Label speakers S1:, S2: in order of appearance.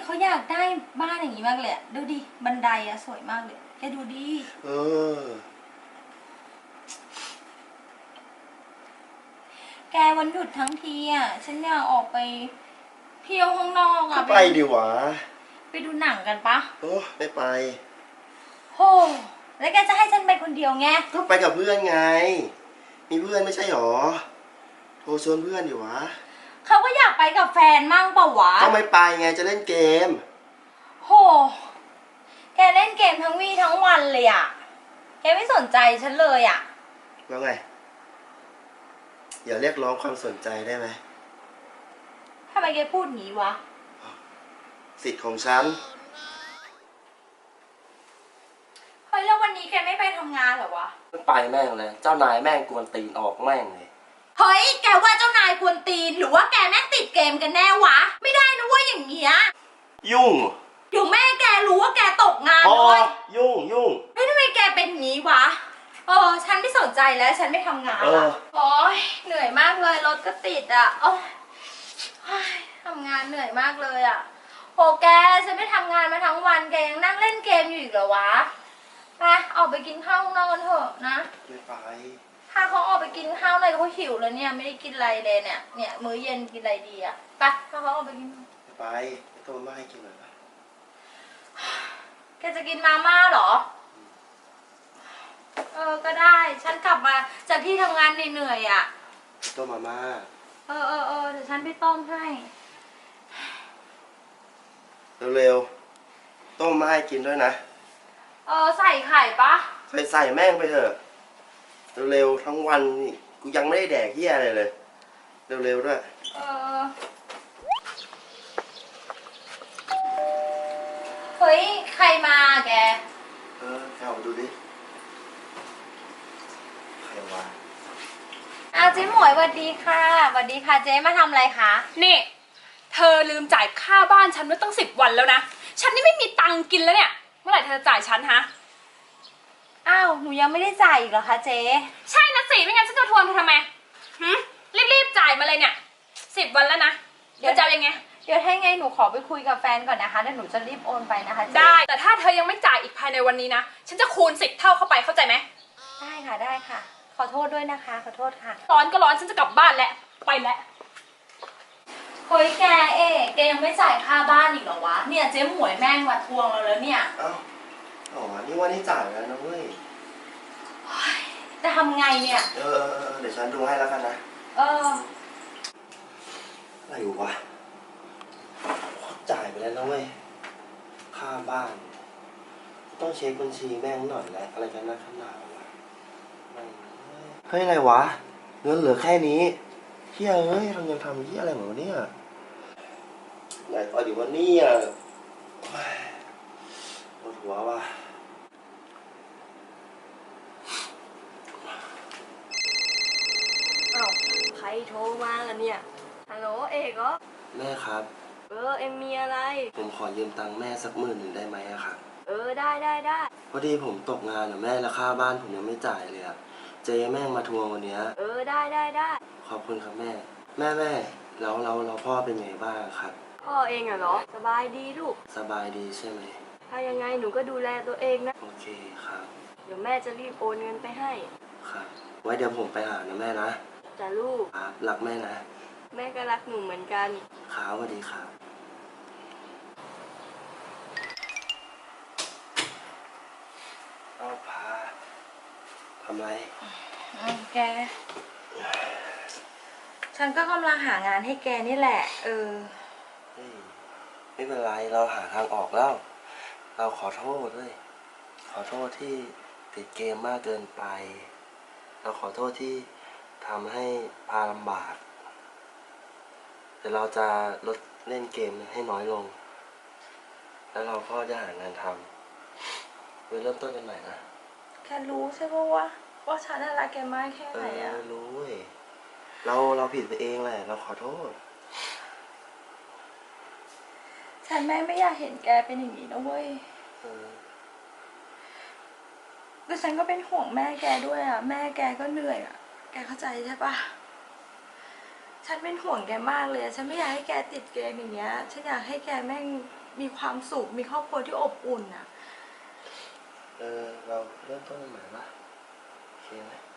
S1: เขาอยากได้บ้านอย่างนี้มากเลยดูดิบันไดอะสวยมากเลยแกดูดิแกวันหยุดทั้งทีอะฉันอยากออกไปเที่ยวข้างนอกอะ
S2: ไปดิวะ
S1: ไปดูหนังกันปะ
S2: โอ้ไม่ไป
S1: โหแล้วแกจะให้ฉันไปคนเดียวไง
S2: ก็ไปกับเพื่อนไงมีเพื่อนไม่ใช่หรอโทรชวนเพื่อนดิวะ
S1: เขาก็อยากไปกับแฟนมั่งเปล่าวะ
S2: ก็ไม่ไปไงจะเล่นเกม
S1: โหแกเล่นเกมทั้งวี่ทั้งวันเลยอะแกไม่สนใจฉันเลยอะ
S2: แล้วไงอย่าเรียกร้องความสนใจได้ไหม
S1: ทำไมแกพูดงี้วะ
S2: สิทธิ์ของฉัน
S1: เฮ้ยแล้ววันนี้แกไม่ไปทำงานเหรอวะ
S2: ไม่ไปแม่งเลยเจ้านายแม่งกวนตีนออกแม่งเลย
S1: เฮ้ยแกว่าเจ้านายกวนตีนหรือว่าแกแม่งติดเกมกันแน่วะไม่ได้นะว่าอย่างเงี้ย
S2: ยุ่ง
S1: เดี๋ยวแม่แกรู้ว่าแกตกงาน
S2: เลยยุ่ง
S1: เฮ้ยทำไมแกเป็นอย่างนี้วะฉันไม่สนใจแล้วฉันไม่ทำงานละโอ้ยเหนื่อยมากเลยรถก็ติดอ่ะโอ้ยทำงานเหนื่อยมากเลยอ่ะโหแกฉันไม่ทำงานมาทั้งวันแกยังนั่งเล่นเกมอยู่อีกเหรอวะไปออกไปกินข้าวข้างนอกกันเถอะนะ
S2: ไม่ไป
S1: ถ้าเขาออกไปกินข้าวอะไรเขาหิวแล้วเนี่ยไม่ได้กินอะไรเลยเนี่ยมื้อเย็นกินอะไรดีอ่ะไปถ้าเขาออกไปกิน
S2: ไม่ไปไม่ต้องมาให้กินเลยปะ
S1: แกจะกินมาม่าเหรอก็ได้ฉันกลับมาจากที่ทำงานเหนื่อยๆอ่ะ
S2: ต้มมาม่า
S1: เดี๋ยวฉันไปต้มให้
S2: เร็วๆต้มมาให้กินด้วยนะ
S1: ใส่ไข่ปะ
S2: ใส่แม่งไปเถอะเร็วๆทั้งวันนี่กูยังไม่ได้แดกเหี้ยอะไรเลยเร็วๆด้วย
S1: เฮ้ยใครมาแก
S2: เข้ามาดูดิใครวะ
S1: เจ๊หมวยสวัสดีค่ะสวัสดีค่ะเจ๊มาทำอะไรคะ
S3: นี่เธอลืมจ่ายค่าบ้านฉันไว้ตั้ง10 วันแล้วนะฉันนี่ไม่มีตังค์กินแล้วเนี่ยเมื่อไหร่เธอจะจ่ายฉันฮะ
S1: อ้าวหนูยังไม่ได้จ่ายอีกเหรอคะเจ๊
S3: ใช่นะสิไม่งั้นฉันจะทวงเธอทำไมรีบจ่ายมาเลยเนี่ย10 วันแล้วนะเดี๋ยวจะยังไง
S1: เดี๋ยวให้ไงหนูขอไปคุยกับแฟนก่อนนะคะเดี๋ยวหนูจะรีบโอนไปนะคะ
S3: ได้แต่ถ้าเธอยังไม่จ่ายอีกภายในวันนี้นะฉันจะคูณ10 เท่าเข้าไปเข้าใจไหม
S1: ได้ค่ะขอโทษด้วยนะคะขอโทษค่ะ
S3: ร้อนก็ร้อนฉันจะกลับบ้านแล้วไปแล้ว
S1: เฮ้ยแกยังไม่จ่ายค่าบ้านอีกเหรอวะเนี่ยเจ๊หมวยแม่งมาทวงเราแล้วเนี่ย
S2: นี่ว่านี่จ่ายแล้วนะเว้ย
S1: จะทำไงเนี่ย
S2: เดี๋ยวฉันดูให้แล้วกันนะอะไรอยู่วะจ่ายไปแล้วนะเว้ยค่าบ้านต้องเช็คบัญชีแม่งหน่อยแล้วอะไรกันนะขนาดวะเฮ้ยอะไรวะเงินเหลือแค่นี้เฮียเอ้ยเรายังทำที่อะไรเหมือนเนี่ยไหนต่อดีวันนี้ปวดหัวว่ะ
S4: ใครโทรมาล่ะเนี่ยฮัลโหลเอกเหรอ
S2: แม่ครับ
S4: เอ็มมีอะไร
S2: ผมขอยืมตังค์แม่สัก10,000ได้ไหมอะครับ
S4: ได้
S2: พอดีผมตกงานอะแม่แล้วค่าบ้านผมยังไม่จ่ายเลยอะเจ๊แม่งมาทวงวันนี้
S4: ได้
S2: ขอบคุณครับแม่แล้วพ่อเป็นไงบ้างครับ
S4: พ่อเองเหรอสบายดีลูก
S2: สบายดีใช่ไหม
S4: ถ้ายังไงหนูก็ดูแลตัวเองนะ
S2: โอเคครับ
S4: เดี๋ยวแม่จะรีบโอนเงินไปให้
S2: ครับไว้เดี๋ยวผมไปหานะแม่นะ
S4: จ้ะลูก
S2: ครับรักแม่นะ
S4: แม่ก็รักหนูเหมือนกัน
S2: ครับสวัสดีครับพาทำไร
S1: แกฉันก็กำลังหางานให้แกนี่แหละ
S2: ไม่เป็นไรเราหาทางออกแล้วเราขอโทษด้วยขอโทษที่ติดเกมมากเกินไปเราขอโทษที่ทำให้พาลำบากแต่เราจะลดเล่นเกมให้น้อยลงแล้วเราก็จะหางานทำไปเริ่มต้นกันใหม่นะ
S1: แกรู้ใช่ปะว่าฉันรักแกมากแค่ไหนอะ
S2: รู้เว้ยเราผิดไปเองแหละเราขอโทษ
S1: ฉันแม่ไม่อยากเห็นแกเป็นอย่างนี้นะเว้ยแต่ฉันก็เป็นห่วงแม่แกด้วยอะแม่แกก็เหนื่อยอะแกเข้าใจใช่ปะฉันเป็นห่วงแกมากเลยฉันไม่อยากให้แกติดเกมอย่างเงี้ยฉันอยากให้แกแม่งมีความสุขมีครอบครัวที่อบอุ่นอ่ะ
S2: เราเริ่มต้นใหม่ปะโอเคไหม